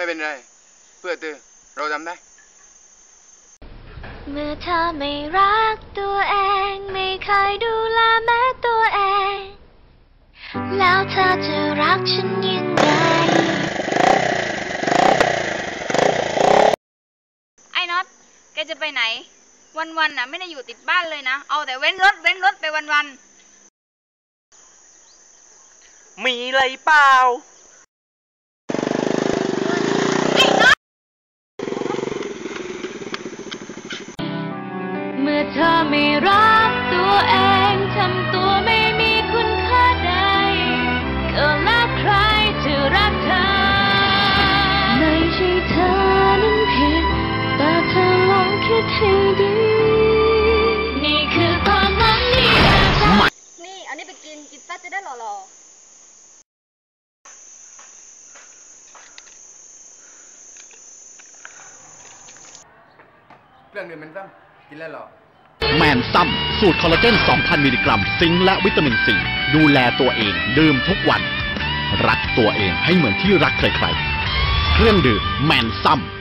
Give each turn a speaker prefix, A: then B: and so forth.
A: ไม่เป็นไรเพื่อเธอเราทำได้
B: เมื่อเธอไม่รักตัวเองไม่เคยดูแลแม้ตัวเองแล้วเธอจะรักฉันยังไง
C: ไอ้น็อตแกจะไปไหนวันๆน่ะไม่ได้อยู่ติดบ้านเลยนะเอาแต่เว้นรถไปวัน
D: ๆมีอะไรเปล่า
B: เมื่อเธอไม่รักตัวเองทำตัวไม่มีคุณค่าใดก็แล้วใครจะรักเธอไม่ใช่เธอนั้นผิดแต่เธอลองคิดให้ดีนี่คือความหวังที่เธอทำ
C: นี่เอานี่ไปกินซะจะได้หล่อ
A: เครื่องดื่มมันซ้ำกินแล้วหรอ
E: แมนซัมสูตรคอลลาเจน 2,000 มิลลิกรัมซิงค์และวิตามินซีดูแลตัวเองดื่มทุกวันรักตัวเองให้เหมือนที่รักใครๆเครื่องดื่มแมนซัม